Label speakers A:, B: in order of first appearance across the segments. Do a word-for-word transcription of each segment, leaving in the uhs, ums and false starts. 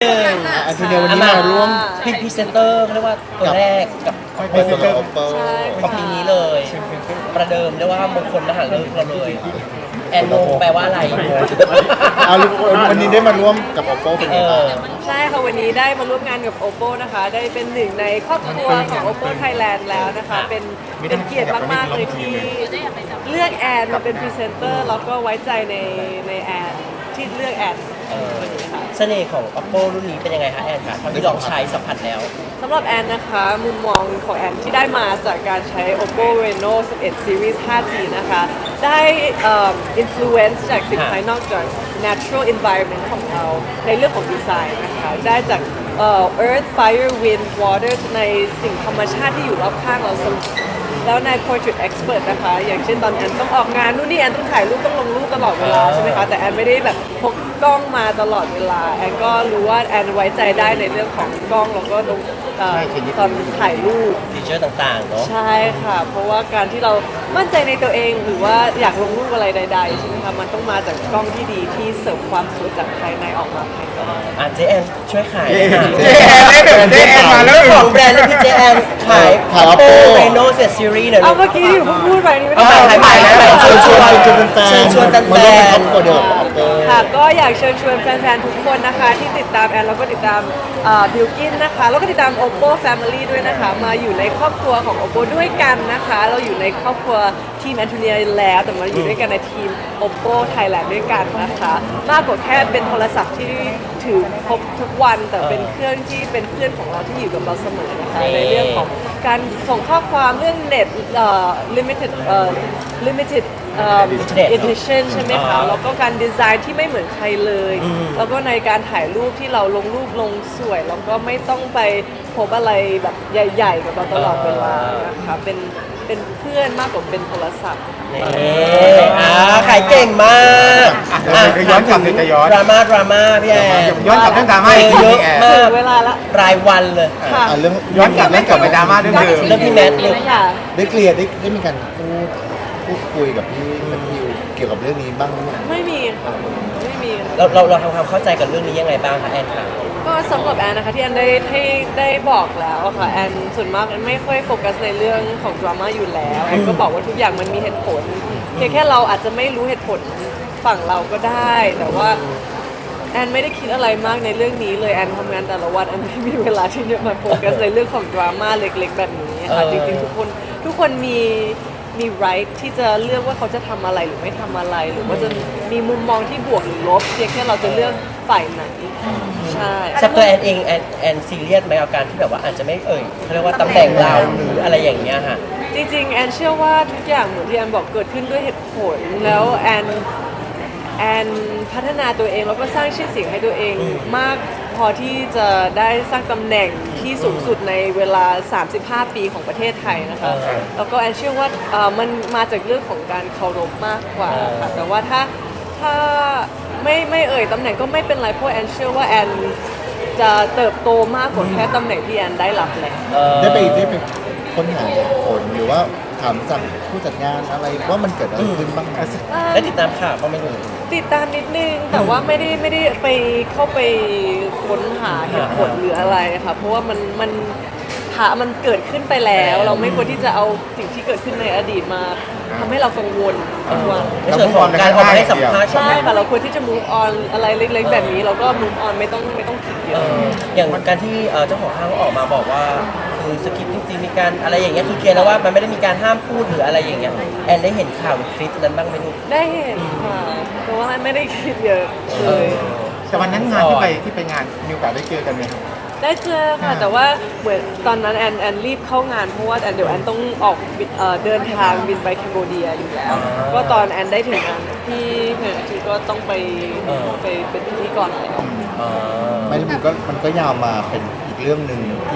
A: หนึ่ง
B: อันทีเดียววันนี้มาร่วม
A: เป็นพรีเซนเตอร์เขาเรียกว่าตัวแรกกับ
B: พรีเซนเตอร์ Oppo
C: ใช่
A: ของปีนี้เลย ประเดิมเรียกว่ามงคลมหาฤกษ์เราเลยแอนโนแปลว่าอะไร
B: เอาวันนี้ได้มาร่วมกับ Oppo เป็นไง
A: เอ
B: บ้าง
A: อ
C: ใช่ค่ะวันนี้ได้มาร่วมงานกับ Oppo นะคะ ได้เป็นหนึ่งในครอบครัวของ Oppo Thailand แล้วนะคะ เป็นเป็นเกียรติมากๆเลยที่เลือกแอนมาเป็นพรีเซนเตอร์แล้วก็ไว้ใจในในแอนที่เลือกแอน
A: เออเสน่ห์ของ Oppo รุ่นนี้เป็นยังไงคะแอนคะเท่าที่ลองใช้สัมผัสแล้ว
C: สำหรับแอนนะคะมุมมองของแอนที่ได้มาจากการใช้ Oppo Reno สิบเอ็ด Series ไฟว์จี นะคะ ได้เอ่อ influence จากสิ่งภายนอกจาก natural environment ของเราในเรื่องของดีไซน์นะคะ ได้จากเอ่อ earth fire wind water ในสิ่งธรรมชาติที่อยู่รอบข้างเราเสมอแล้วใน portrait expert นะคะ อย่างเช่นตอนแอนต้องออกงานนู่นนี่แอนต้องถ่ายรูปต้องลงรูปตลอดเวลาใช่ไหมคะ แต่แอนไม่ได้แบบพกกล้องมาตลอดเวลา แอนก็รู้ว่าแอนไว้ใจได้ในเรื่องของกล้องแล้วก็ตรงเอ่อตอนถ่ายรูป
A: ฟีเจอร์ต่างๆเนาะ
C: ใช่ค่ะ เพราะว่าการที่เรามั่นใจในตัวเองหรือว่าอยากลงรูปอะไรใดๆใช่ไหมคะมันต้องมาจากกล้องที่ดีที่เสริมความสวยจากภายในออกมาภายนอก
A: อ่ะเจแอนช่วยขาย
B: เจ๊
A: ค่ะ
B: แอนเจ๊แอนมาแล้ว
A: เจ้าของแบรนด์และพี่เจแอนขาย
B: ขาย
A: Oppo
B: Oppo
A: Reno เจ็ด Series หน่อย
C: เอา
A: ลูก
C: เมื่อกี้ที่ผมพูดไปนี่ไม่
A: เอา
C: ได้
A: ใหม่ใหม่ใหม่ใหม่
B: เชิญชวนเชิญแฟน
A: เชิญชวนแฟนๆ
B: มาร่วมเป็นครอบครัวเดียวกับ Oppo
C: ค่ะก็อยากเชิญชวนแฟนๆ ทุกคนนะคะ ที่ติดตามแอนแล้วก็ติดตามบิลกินนะคะ แล้วก็ติดตาม Oppo Family ด้วยนะคะ มาอยู่ในครอบครัวของ Oppo ด้วยกันนะคะ เราอยู่ในครอบครัวทีมแอนโทเนียแล้ว แต่มาอยู่ด้วยกันในทีม Oppo Thailand ด้วยกันนะคะ มากกว่าแค่เป็นโทรศัพท์ที่ถือครบทุกวัน แต่เป็นเครื่องที่เป็นเพื่อนของเราที่อยู่กับเราเสมอนะคะ ในเรื่องของการส่งข้อความเรื่องเน็ตเอ่อ limited เอ่อ limited เอ่อ edition ใช่ไหมคะ แล้วก็การดีไซน์ที่ไม่เหมือนใครเลย แล้วก็ในการถ่ายรูปที่เราลงรูปลงสวย แล้วก็ไม่ต้องไปพบอะไรแบบใหญ่ๆ กับเราตลอดเวลานะคะ เป็นเป็นเพื่อนมากกว่าเป็นโทรศัพท์
A: นี่อ่าขายเก่งมาก
B: อ่ะเดี๋ยวจะย้อนกลับเดี๋ยวจะย้อน
A: ดราม่าดราม่าพี่แอน
B: ย้อนกลับเรื่องดราม่าอีกที
A: เยอะ
B: พี่แอน
A: มา
C: ถึ
A: ก
C: งเวลาละ
A: รายวันเลย
C: ค่ะ
B: อ่ะเรื่องย้อนกลับเรื่องกลับไปดราม่าเรื่องเดิม
A: เรื่องพี่แมทเลย
C: ค่ะ
B: ได้เคลียร์ได้ได้มีการพูดพูดคุยกับพี่แมทธิวเกี่ยวกับเรื่องนี้บ้างไหม
C: ไม่มีค่ะไม่มีค่ะ
A: เราเราเราทำความเข้าใจกับเรื่องนี้ยังไงบ้างคะแอนคะ
C: ก็สำหรับแอนนะคะที่แอนได้ให้ได้บอกแล้วอะค่ะแอนส่วนมากแอนไม่ค่อยโฟกัสในเรื่องของดราม่าอยู่แล้วแอนก็บอกว่าทุกอย่างมันมีเหตุผลเพียงแค่เราอาจจะไม่รู้เหตุผลฝั่งเราก็ได้ แต่ว่าแอนไม่ได้คิดอะไรมากในเรื่องนี้เลยแอนทำงานแต่ละวันแอนไม่มีเวลาที่จะมาโฟกัสในเรื่องของดราม่าเล็กๆแบบนี้ค่ะจริงๆทุกคนทุกคนมีมี right ที่จะเลือกว่าเขาจะทำอะไรหรือไม่ทำอะไร หรือว่าจะมีมุมมองที่บวกหรือลบเพียงแค่เราจะเลือกฝ่ายไหนใช่
A: สำหรับตัวแอนเองแอนแอนซีเรียสไหมกับการที่แบบว่าอาจจะไม่เอ่ยเขาเรียกว่าตำแหน่งเราหรืออะไรอย่างเงี้ยค่ะ
C: จริงๆแอนเชื่อว่าทุกอย่างเหมือนที่แอนบอกเกิดขึ้นด้วยเหตุผลแล้วแอนแอนพัฒนาตัวเองแล้วก็สร้างชื่อเสียงให้ตัวเองมากพอที่จะได้สร้างตำแหน่งที่สูงสุดในเวลา สามสิบห้า ปีของประเทศไทยนะคะ
A: เออ
C: แล้วก็แอนเชื่อว่าเอ่อมันมาจากเรื่องของการเคารพมากกว่าค่ะแต่ว่าถ้าถ้าไม่ไม่เอ่ยตำแหน่งก็ไม่เป็นไรเพราะแอนเชื่อว่าแอนจะเติบโตมากกว่าแค่ตำแหน่งที่แอนได้รับแล้ว
A: เอ่อ
B: ได้ไปได้ไปค้นหาเหตุผลหรือว่าถามจากผู้จัดงานอะไรว่ามันเกิดอะไรขึ้นบ้างไหม
A: ได้ติดตามข่าวก็ไม่รู้
C: ติดตามนิดนึงแต่ว่าไม่ได้ไม่ได้ไปเข้าไปค้นหาเหตุผลหรืออะไรค่ะเพราะว่ามันมันหามันเกิดขึ้นไปแล้ว เราไม่ควรที่จะเอาสิ่งที่เกิดขึ้นในอดีตมาทำให้เรากังวลทุกวัน
A: ในส่วนของการออกมาให้สัมภาษณ์
C: ใช่ค่ะเราควรที่จะ move on อะไรเล็กๆแบบนี้เราก็ move on ไม่ต้องไม่ต้องคิดเย
A: เอ่
C: อะ
A: ออย่างการที่เอ่อเจ้าของห้างออกมาบอกว่าคือสคริปต์จริงๆมีการอะไรอย่างเงี้ยคือเคลียร์แล้วว่ามันไม่ได้มีการห้ามพูดหรืออะไรอย่างเงี้ยแอนได้เห็นข่าวหรือคลิปนั้นบ้างไหมลูก
C: ได้เห็นค่ะแต่ว่าไม่ได้คิดเยอะเลย
D: แต่วันนั้นงานที่ไปที่ไปงานมีโอกาสได้เจอกันไหมครับ
C: ได้เจอค่ะแต่ว่าเหมือนตอนนั้นแอนแอนรีบเข้างานเพราะว่าแอนเดี๋ยวแอนต้องออกบินเอ่อเดินทางบินไปแคนโบเดียอยู่แล้ว ก็ตอนแอนได้ถึงงานที่เพื่อนอาทิตย์ก็ต้องไปไปเป็นพิธีกรแล้ว
A: เอ่อ
B: ไม่แล้วมันก็มันก็ยาวมาเป็นอีกเรื่องหนึ่งที่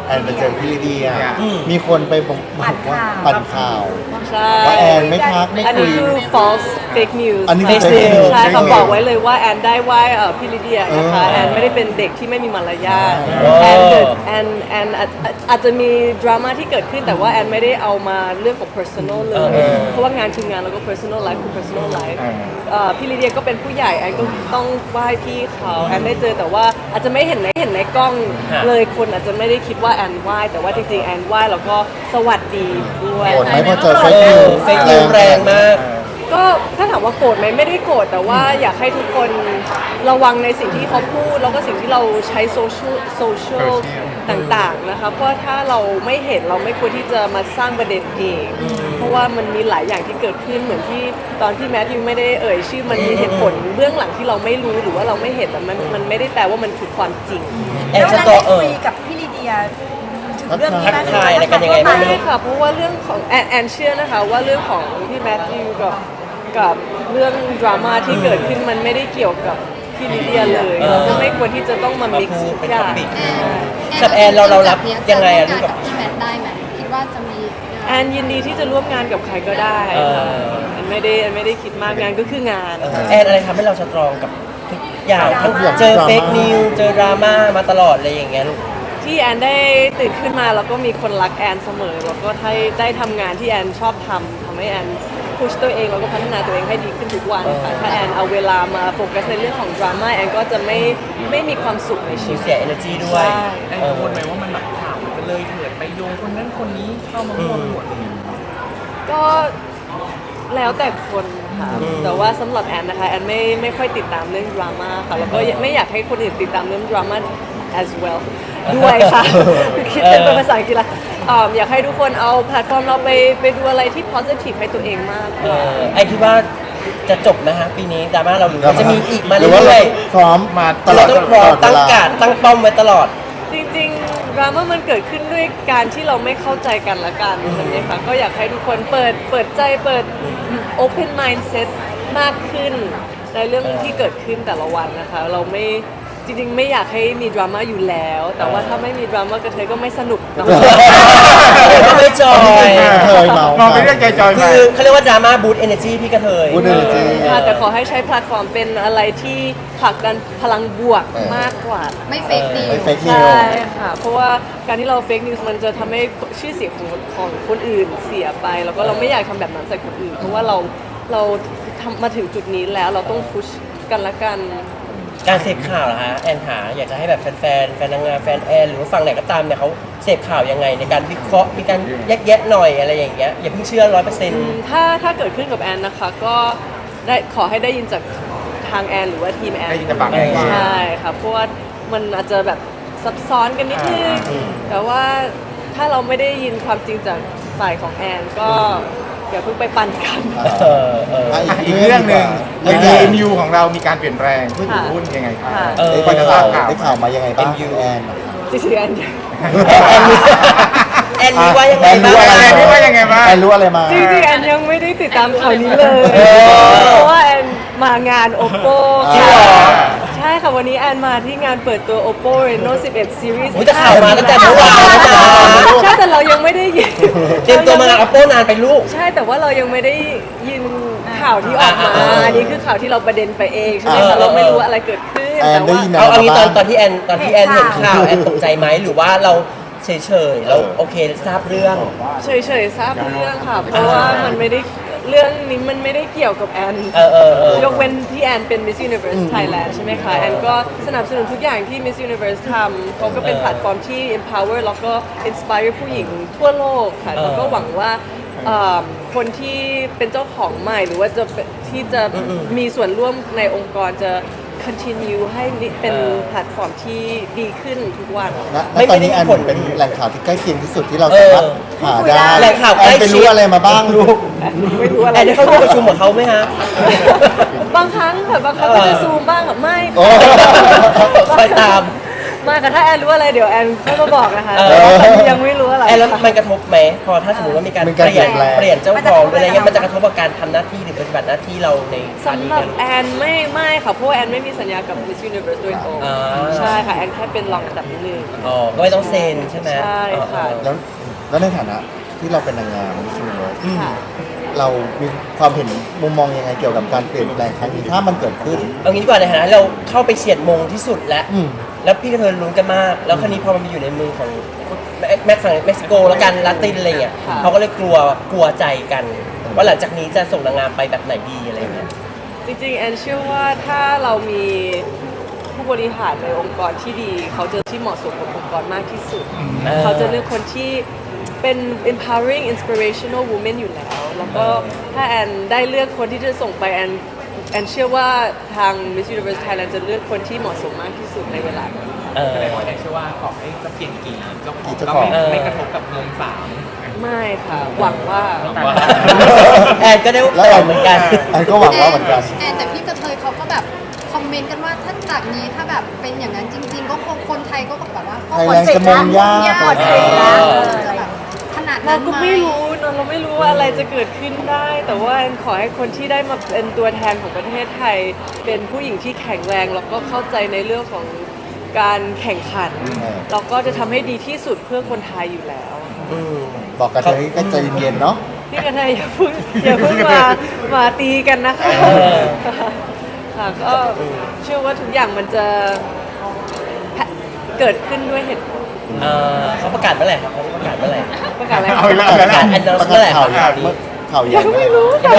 B: แอนไปเจอพี่ลิเดีย
A: อืม
B: มีคนไปบอกว่าปั่นข่าว
C: ใช่
B: ว่าแอนไม่ทักไม่
C: อัน
B: คุ
C: นี้
B: ย
C: คือ false fake news
B: อันนี้คือ
C: ค่ะ
B: fake news
C: ใช่เขา
B: fake news
C: บอกไว้เลยว่าแอนได้ไหว้เอ่อพี่ลิเดียนะคะ
B: เออ
C: แอนไม่ได้เป็นเด็กที่ไม่มีมารยาท
A: อ๋อ
C: แอนเกิดแอนแอนอาจอาจจะมีดราม่าที่เกิดขึ้นแต่ว่าแอนไม่ได้เอามาเรื่องของ personal เล
A: เอย อเออ
C: เพราะว่างานคืองานแล้วก็ personal life คือ personal life
D: เออ
C: เอ่อพี่ลิเดียก็เป็นผู้ใหญ่แอนก็ต้องไหว้พี่เขาแอนได้เจอแต่ว่าอาจจะไม่เห็นในเห็นในกล้อง
A: ฮะ
C: เลยคนอาจจะไม่ได้คิดว่าแอนไหว้แต่ว่าจริงๆแอนไหว้แล้วก็สวัสดีด้วย
B: โกรธไหมพอเจอ
A: เอ
B: เฟซนิว
A: อเฟกนิวแรงมาก
C: ก็ถ้าถามว่าโกรธไหมไม่ได้โกรธแต่ว่าอยากให้ทุกคนระวังในสิ่งที่เขาพูด แล้วก็สิ่งที่เราใช้โซเชียลโซเชียล
D: Social
C: ต่างๆนะคะเพราะถ้าเราไม่เห็นเราไม่ควรที่จะมาสร้างประเด็นเองเพราะว่ามันมีหลายอย่างที่เกิดขึ้นเหมือนที่ตอนที่แมทธิวไม่ได้เอ่ยชื่อมันมีเหตุผลเบื้องหลังที่เราไม่รู้หรือว่าเราไม่เห็นแต่มันมันไม่ได้แปลว่ามันคือความจริง
A: แอน
E: แล้ว
A: ส
E: เรา
A: ตอ
E: ได้
A: เออ
E: คุยกับพี่ลีเดียถึงเรื่องนี้ไหม
A: ทักทายอะไรกันยังไงบ้าง
C: ใช่ค่ะเพราะว่าเรื่องของแอนแอนเชื่อนะคะว่าเรื่องของพี่แมทธิวกับกับเรื่องดราม่าที่เกิดขึ้นมันไม่ได้เกี่ยวกับพี่ลิเดียเลย
A: เออ
C: เราก็ไม่ควรที่จะต้องมา
A: มา
C: มิก
A: พู
C: ซ์
A: ด
C: ทุก
A: เป็น
C: อย่า
A: ท็อง ปิก
F: แ
A: กับแอนเราเรารับ
F: จ
A: ยังไงอะ
F: ร่วม
A: ลูก
F: งาน
A: กับ
F: กับพี่แมทได้ไหมคิดว่าจะมี
C: แอนยินดีที่จะร่วมงานกับใครก็ได้
A: เออ
C: ค่ะแอนไม่ได้แอนไม่ได้คิดมากงานก็คืองาน
A: เออแอนอะไรทำให้เราสตรองกับทุกอย่างทั้งเจอเฟกนิวเจอดราม่ามาตลอดอะไรอย่างเงี้ยลูก
C: ที่แอนได้ตื่นขึ้นมาแล้วก็มีคนรักแอนเสมอแล้วก็ได้ได้ทำงานที่แอนชอบทำทำให้แอนพุชตัวเองแล้วก็พัฒนาตัวเองให้ดีขึ้นทุกวันค่ะถ้าแอนเอาเวลามาโฟกัสในเรื่องของดราม่าแอนก็จะไม่ไม่มีความสุขในชี
A: มี
C: วิต
A: เสีย energy ด้วย
C: ใช่
G: แอนกังวลไหมว่ามันแบบข่าวมันจะเลยเถิดไปโยงคนนั้นคนนี้เข้ามาร่วมหมด
C: ก็แล้วแต่คนค่ะ
A: อืม
C: แต่ว่าสำหรับแอนนะคะแอนไม่ไม่ค่อยติดตามเรื่องดราม่าค่ะแล้วก็ไม่อยากให้คนอื่นติดตามเรื่องดราม่า as well ด้วยค่ะ คือคิดเป็นภาษาอังกฤษละอ่าอยากให้ทุกคนเอาแพลตฟอร์มเราไปไปดูอะไรที่ positive ให้ตัวเองมากก
A: เอ
C: ว่า
A: อไอคิดว่าจะจบนะฮะปีนี้ดราม่าเราหรือว่าจะมีอีกมา
B: หรือว่า
A: เรื่
B: เรา
A: อย
B: พร้อมมาต
A: ๆ
B: ลอ
A: เรา
B: ด
A: ต้องพร้อม
B: ต
A: ตั้ง
B: ลอดเวล
A: การตั้งป้อมไว้ตลอด
C: จริงๆดราม่ามันเกิดขึ้นด้วยการที่เราไม่เข้าใจกันละกันใช่ไหมคะก็อยากให้ทุกคนเปิดเปิดใจเปิด open mindset มากขึ้นในเรื่องที่เกิดขึ้นแต่ละวันนะคะ เราไม่จริงๆ ไม่อยากให้มีดราม่าอยู่แล้ว แต่ว่าถ้าไม่มีดราม่ากระเทยก็ไม่สนุกเนาะ
A: ก็ไม่จอย
B: เคยเมาม
D: องไปเรื่องจอยๆ
A: คื
D: มา
A: อเขาเรียกว่าดราม่าบูตเอเนจีพี่กระเทย
B: พูดเลยจริง
C: ค่ะแต่ขอให้ใช้แพลตฟอร์มเป็นอะไรที่ผลักดันพลังบวก
B: เออ
C: มากกว่า
F: ไม่เฟกนิว
B: ไม่เฟกนิว
C: ใช่ค่ะ เพราะว่าการที่เราเฟกนิวส์มันจะทำให้ชื่อเสียงของของคนอื่นเสียไป แล้วก็เราไม่อยากทำแบบนั้นใส่คนอื่น เพราะว่าเราเราทำมาถึงจุดนี้แล้วเราต้องพุชกันละกัน
A: การเสพข่าวเหรอฮะแอนหาอยากจะให้แบบแฟนๆแฟนนางงามแฟนแอนหรือว่าฝั่งไหนก็ตามเนี่ยเขาเสพข่าวยังไงในการวิเคราะห์มีการแยกแยะหน่อยอะไรอย่างเงี้ยอย่าเพิ่งเชื่อร้อยเปอร์เซ็นต์
C: ถ้าถ้าเกิดขึ้นกับแอนนะคะ ก็ได้ขอให้ได้ยินจากทางแอนหรือว่าทีมแอน
D: ได้ยินจากปากแอนว่า
C: ใช่ค่ะเพราะว่ามันอาจจะแบบซับซ้อนกันนิดนึง
A: อืม
C: แต่ว่าถ้าเราไม่ได้ยินความจริงจากฝ่ายของแอนก็อย่าเพิ่งไปปั่นกัน
A: เออเออ
B: อ่ะ
D: อ่ะอีกเรื่องหนึ่ง
B: เรื่อง
D: ใน
B: ใหญ่
D: เอ็มยูของเรามีการเปลี่ยนแปลงผู้ถือหุ้นยังไงครับ
C: ค่ะ
A: เออ
B: ได้ข่าวได้ข่าวมายังไงบ้าง
A: เอ็มยู
B: แอน
C: จริงๆแอน
A: แอนรู้แอนรู้ว่ายังไง
B: แอน
A: บ้า
B: รู้
A: ง
B: อะไร
D: แอนรู้ว่ายังไงบ้าง
B: แอนรู้อะไรมา
C: จริงๆแอนยังไม่ได้ติดตามข่าวนี้เลย
A: เออ
C: เพราะว่าแอนมางาน oppo
B: จริง
C: ค่ะ
B: เหรอ
C: ใช่ค่ะวันนี้แอนมาที่งานเปิดตัว oppo reno สิบเอ็ด series
A: โอ้ยแต่ข่าวมาตั้งแต่เมื่อวานแล้วนะ
C: ใช่แต่เรายังไม่ได้ยิน
A: เตรียมตัวมางานอัปโปนานไปลูก
C: ใช่แต่ว่าเรายังไม่ได้ยินข่าวที่ออกมา
A: อ่าอ่า
C: อันนี้คือข่าวที่เราประเด็นไปเองใช่ไหม
A: เออ
C: คะเราไม่รู้ว่าอะไรเกิดขึ้น
B: แอน
C: แต่
B: ได้
C: ว่า
B: ยิน
A: เอาเอางี้ตอน
B: บ้าง
A: ตอนที่แอนตอนที่แอนเห็นข่าวแอนตกใจไหมหรือว่าเราเฉยๆเราโอเคทราบเรื่อง
C: เฉยๆทราบเรื่องค่ะ เพราะว่ามันไม่ได้เรื่องนี้มันไม่ได้เกี่ยวกับแอน
A: เออเออเออย
C: กเว้นที่แอนเป็น Miss Universe Thailand ใช่ไหมคะ แอนก็สนับสนุนทุกอย่างที่ Miss Universe ทำเขาก็เป็นแพลตฟอร์มที่ empower แล้วก็ inspire ผู้หญิงทั่วโลกค่ะแล้วก็หวังว่าเอ่อคนที่เป็นเจ้าของใหม่หรือว่าจะเป็นที่จะมีส่วนร่วมในองค์กรจะ continue ให้เป็นแพลตฟอร์มที่ดีขึ้นทุกวัน
B: นะและตอนนี้แอนเป็นแหล่งข่าวที่ใกล้เคียงที่สุดที่เรา
A: เออ
B: สามารถหาได้
A: แหล่งข่าว
B: แอ
A: ใกล้
B: นไป
A: ชิ
B: รู้
A: ด
B: อะไรมาบ้างลูก
C: ไม่รู้อะไร
A: แอนได้เข้าร่วมประชุมกับเขาไหมฮะ
C: บางครั้งค่ะบางครั้งก็จะซูมบ้างค่ะไม่
B: โอ้
A: คอยตาม
C: ไมาค่ะถ้าแอนรู้อะไรเดี๋ยวแอนค่อยมาบอกนะคะ
A: เออ
C: แต่ว่าตอนนี้ยังไม่รู้อะไร
A: แอนแล้ว
C: ค่ะ
A: มันกระทบไหมพอถ้าสมมติว่ามีการ
B: มี
A: เป
B: การ
A: ลี่ยน
B: เปลี่ยนแปลง
A: เปลี่ยนเจ้าของหรืออะไรเงี้ยมันจะกระทบกับการทำหน้าที่หรือปฏิบัติหน้าที่เราในครั้ง
C: สำ
A: นี้
C: หรับ
A: เนี่ย
C: แอนไม่ไม่ค่ะเพราะว่าแอนไม่มีสัญญากับ Miss Universe โดยตรง
A: อ่า
C: ใช่ค่ะแอนแค่เป็นรองอันดับหนึ่ง
A: อ๋อก็ไม่ต้องเซ็นใช่ไหม
C: ใช่ค่ะ
A: อ๋อ
B: แล้วแล้วในฐานะที่เราเป็นนางงามมิสยูนิเวิร์ส
C: ค่ะ
B: เรามีความเห็นมุมมองยังไงเกี่ยวกับการเปลี่ยนแปลงครั้งนี้ถ้ามันเกิดขึ้น
A: เอางี้ดีกว่าในฐานะเราเข้าไปเฉียดมงที่สุดแล้ว
B: อืม
A: แล้วพี่กระเทยลุ้นกันมาก แล้วคราวนี้พอมันไปอยู่ในมือของแม็กฝั่งเม็กซิโกแล้วกันลาตินอะไรเงี้ย
C: ค่ะ
A: เขาก็เลยกลัวกลัวใจกัน ว่าหลังจากนี้จะส่งนางงามไปแบบไหนดีอะไรเงี้ย
C: จริงๆแอนเชื่อว่าถ้าเรามีผู้บริหารในองค์กรที่ดี เขาจะที่เหมาะสมกับองค์กรมากที่สุด
A: อ่า
C: เขาจะเลือกคนที่เป็น empowering inspirational woman อยู่แล้ว แล้วก็ถ้าแอนได้เลือกคนที่จะส่งไปแอนแอนเชื่อว่าทาง Miss Universe Thailand จะเลือกคนที่เหมาะสมมากที่สุดในเวลานี้
A: เออ
G: แสดงว่าแอนเชื่อว่าขอให้จะเปลี่ยนกี่เจ้าของ
B: กี่เจ้า
G: ก็
B: ของ
G: ไม่
A: เออ
G: ไม่กระทบกับวงสาม
C: ไม่ค่ะ หวังว่า
A: แอนก็ได้
B: แล้ว
A: ต
B: แอ
A: อบ
B: น
A: เหมือนกัน
B: แอนก็หวังว่าเหมือนกัน
F: แอนแต่พี่กระเทยเขาก็แบบคอมเมนต์กันว่าถ้าจากนี้ถ้าแบบเป็นอย่างนั้นจริง ๆ ก็คงคนไทยก็แบบว่าก็
B: ไทยแลนด์จะมงยาก
F: หมดสิทธิ์แล้วจะแบบขนาด
C: เรา
F: นั้น
C: ก็
F: ไหม
C: ไม่รู้เนอะเราไม่รู้ว่าอะไรจะเกิดขึ้นได้ แต่ว่าแอนขอให้คนที่ได้มาเป็นตัวแทนของประเทศไทย เป็นผู้หญิงที่แข็งแรงแล้วก็เข้าใจในเรื่องของการแข่งขัน
B: เออ
C: เราก็จะทำให้ดีที่สุดเพื่อคนไทยอยู่แล้ว
A: อืม
B: บอกกันเลยก็ใจเย็นๆเนาะ
C: พี่กระเทยอย่าเพิ่งอย่าเพิ่งมามาตีกันนะคะ
A: เออ
C: ค่ะก็เชื่อว่าทุกอย่างมันจะเกิดขึ้นด้วยเหตุผล
A: เออเขาประกาศเมื่อไหร่ครับเขาประกาศเมื่อไหร่
C: ประกาศอะไร
D: เอาอีกแล้ว
A: ประกาศอันนั้น
B: ประ
A: เมื่อไหร่
B: กาศ
A: ค
B: ข่า
A: รั
B: ว
A: บ
B: ใหญ่
A: ข่าวนี้
B: ข่าวใหญ่
C: ยังไม่รู้ค่ะ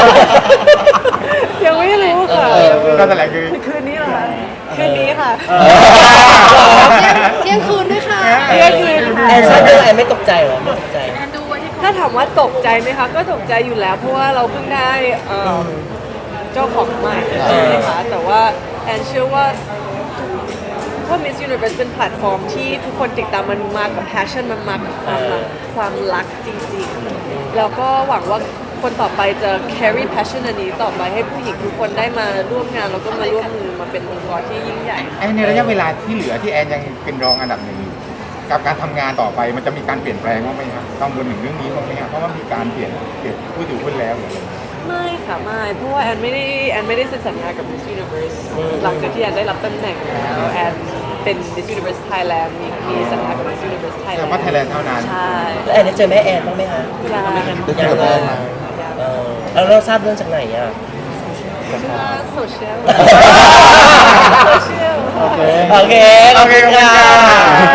C: ยังไม่รู้ค่ะ
B: เออ
D: ก็แถลงคือ
C: คืนนี้เหรอคะคืนนี้ค่ะ
F: เที่ยงคืนด้วยค่ะ
C: เที่ยงคืนค่ะ
A: แอนทราบเรื่องแอนไม่ตกใจเหรอไม่ตกใจ
C: ถ้าถามว่าตกใจไหมคะ ก็ตกใจอยู่แล้ว เพราะว่าเราเพิ่งได้เอ่อเจ้าของใหม่ใช่ไหมคะแต่ว่าแอนเชื่อว่าเพราะ Miss Universe เป็นแพลตฟอร์มที่ทุกคนติดตามมันมากับ passion มันมากับความรักความรักจริงๆ แล้วก็หวังว่าคนต่อไปจะ carry passion อันนี้ต่อไปให้ผู้หญิงทุกคนได้มาร่วมงานแล้วก็มาร่วมมือมาเป็นองค์กรที่ยิ่งใหญ่
D: แอนในระยะเวลาที่เหลือที่แอนยังเป็นรองอันดับหนึ่งอยู่กับการทำงานต่อไปมันจะมีการเปลี่ยนแปลงบ้างไหมครับต้องบนถึงเรื่องนี้บ้างไหมครับเพราะว่ามีการเปลี่ยนเปลี่ยนผู้ถือหุ้นแล้วหรืออะไร
C: ไม่ค่ะไม่เพราะว่าแอนไม่ได้แอนไม่ได้เซ็นสัญญากับ Miss Universe หลังจากที่แอนได้รับตำแหน่งแล้วแอนเป็น Miss Universe Thailand มีมีสัญญากับ Miss Universe
D: แต่
C: Thailand
D: ว่าไทยแลนด์เท่านั้น
C: ใช่
A: แล้วแอนได้เจอแม่แอนบ้างไหมคะ
C: ยัง
B: ได้คุยกับแอนไหม
A: เออแล้วเราทราบเรื่องจากไหนอ่ะ
C: โซเชียลโซเชียล
B: โอเค
A: โอเค ขอบคุณค่ะ